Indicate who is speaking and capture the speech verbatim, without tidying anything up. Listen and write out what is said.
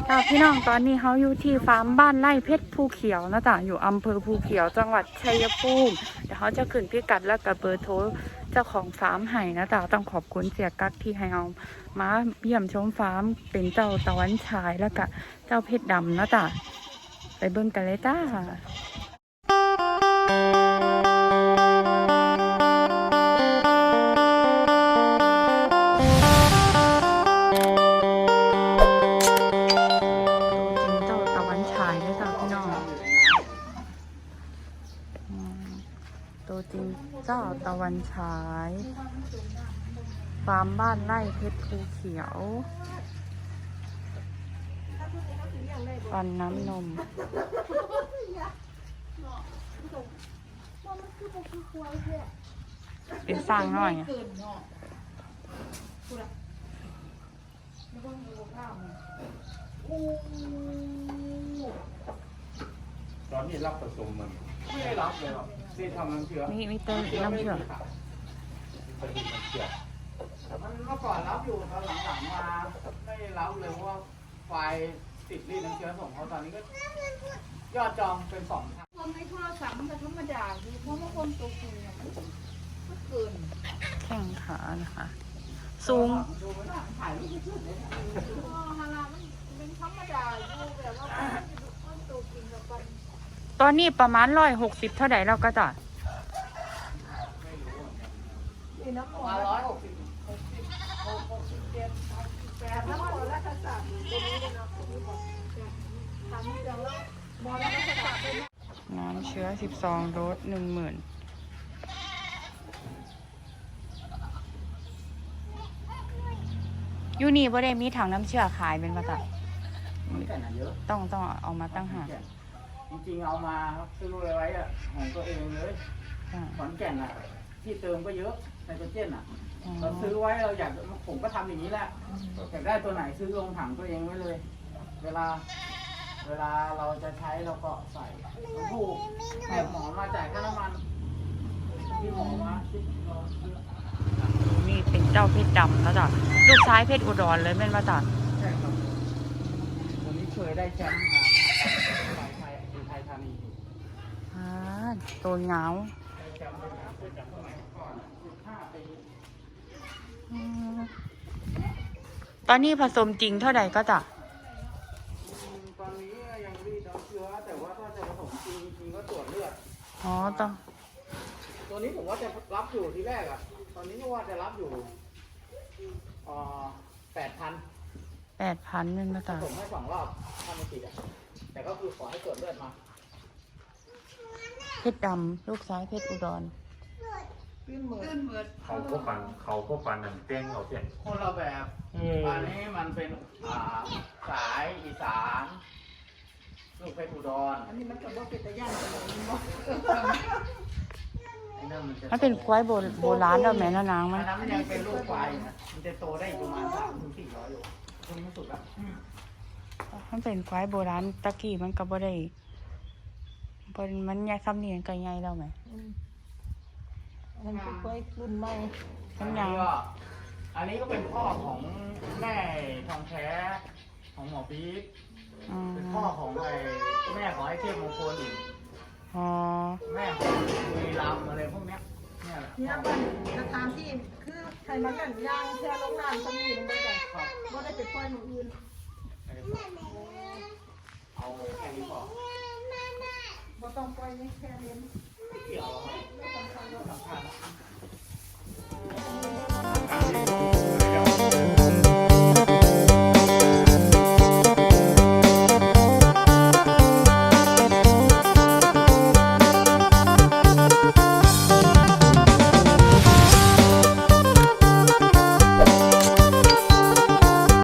Speaker 1: จ้าพี่น้องตอนนี้เขาอยู่ที่ฟาร์มบ้านไร่เพชรภูเขียวนะจ๊ะอยู่อำเภอภูเขียวจังหวัดชัยภูมิเดี๋ยวเขาจะขึ้นพิกัดและกับเบอร์โทรเจ้าของฟาร์มให้นะจ๊ะต้องขอบคุณเสียกั๊กที่ให้เอามาเยี่ยมชมฟาร์มเป็นเจ้าตะวันฉายแล้วก็เจ้าเพชรดำนะจ๊ะไปเบิ่งกันเลยจ้าตัวจริงเจ้าตะวันฉายฟาร์มบ้านไร่เพชรภูเขียวปันน้ำนมเป็นสร้างหน่อย
Speaker 2: ตอนนี้รับผสมมันไม่ได้รับเลยหรอกที่ทำน้ำเชื่อ
Speaker 1: มีมีต้นน้ำเชื่อ
Speaker 2: มันเมื่อก่อนรับอยู่ตอนหลังๆมาไม่รับเลยเพราะว่าไฟติดรีดน้ำเชื้อส่งเขาตอนนี้ก็ยอดจองเป็นสองพัน
Speaker 3: คนในโทรศัพท์มันก็ธรรมดาคือเพราะว่าคนตัวจริงเนี่ยมันก็เกิน
Speaker 1: แข้งขานะคะสูง
Speaker 3: ถ่ายรูปชุดเลยฮารามันเป็นธรรมดาอยู่แบบว่าคนตัวจริงกับคน
Speaker 1: ตอนนี้ประมาณร้อยหกสิบเท่าไหร่แล้วก็จะ
Speaker 3: ประมาณร้อยหกสิบหกสิบหกสิบเจ็ดแปดแล้วหมดแล้วทักษะตัวนี้เลยเนาะทำเรื่องแล้วหมดแล้วทักษะเป็น
Speaker 1: น้ำเชื้อสิบสองโดสหนึ่งหมื่นยูนี่บ่ได้มีถังน้ำเชื้อขายเป็นประจำต้องต้องเอามาตั้งหาก
Speaker 2: จริงๆเอามาซื้อเลยไว้อะของตัวเองเลยขอนแก่นอะที่เติมก็เยอะไนโตรเจนอะเราซื้อไว้เราอยากผมก็ทำอย่างนี้แหละอยากได้ตัวไหนซื้อลงถังตัวเองไว้เลยเวลาเวลาเราจะใช้เราก็ใส่ถูกแอบหมอมาจ่ายค่าน้ำมันที่หมอมา
Speaker 1: นี่เป็นเจ้าเพชรดำแล้วจ้ะลูกชายเพชรอุดรเลยเป็นมาจ้ะ
Speaker 2: ใช่ครับตัวนี้เคยได้แชมป์มาไทยไทยธานี
Speaker 1: อ่าตัวเงาตอนนี้ผสมจริงเท่าไหร่ก็จ้ะ
Speaker 2: ตอนนี้ยังรีดน้ำเชื้อแต่ว่าถ้าจะผสมจริงจริงก็ตรวจเลือด
Speaker 1: อ๋อต้อง
Speaker 2: ตัวนี้ผมว่าจะรับอยู่ที่แรกอ่ะตอนนี้ก็ว่าจะรับอยู่อ่าแปดพัน
Speaker 1: แปดพันนึงนะจ๊ะ
Speaker 2: ผสมให้สองรอบทำไม่ติดอ่ะแต่ก็คือขอให้ตรวจเลือดมา
Speaker 1: เพชรดำลูกซ้ายเพชรอุดร
Speaker 4: เขาก็ฟันเขาก็ฟันหนังเต้งเขาเสีย
Speaker 2: คนละแบบอันนี้มันเป็นอ่าสายอีสานลูกเพชรอุดร
Speaker 3: อันนี้มันกับว่าเป็นตะย่านอะไรนี่บ่
Speaker 1: มันเป็นควายโบโบราณแล้วแม่นางมัน
Speaker 2: อันนั้นมันยังเป็นลูกควายนะมันจะโตได้ประมาณสามถึงสี่ร้อยโลตรงนี้มันสุดแล้ว
Speaker 1: มันเป็นควายโบราณตะกี้มันก็บ่ได้บนมันใหญ่ซ้ำนี่ก็ใหญ่แล้วไหม
Speaker 3: มันเป็นควายรุ่นใหม่
Speaker 2: อันนี้ก็อันนี้ก็เป็นพ่อของแม่ทองแท้ของหมอปี๊บเป็นพ่อของไอ้แม่ของไอ้เทพมงคลอีก
Speaker 1: อ๋อ
Speaker 2: แม่ของมีรำอะไรพวกเนี้ยเนี่ยแหละ
Speaker 3: เนี่ยบ้านสถานที่คือใครมากันย่างแค่ลงน้ำก็มีลงไปกันก็ได้ไปปล่อยหมู่อื่น
Speaker 2: เอาแค่นี้พอ
Speaker 3: บ่ต้องปล่อยนี่แค่นี้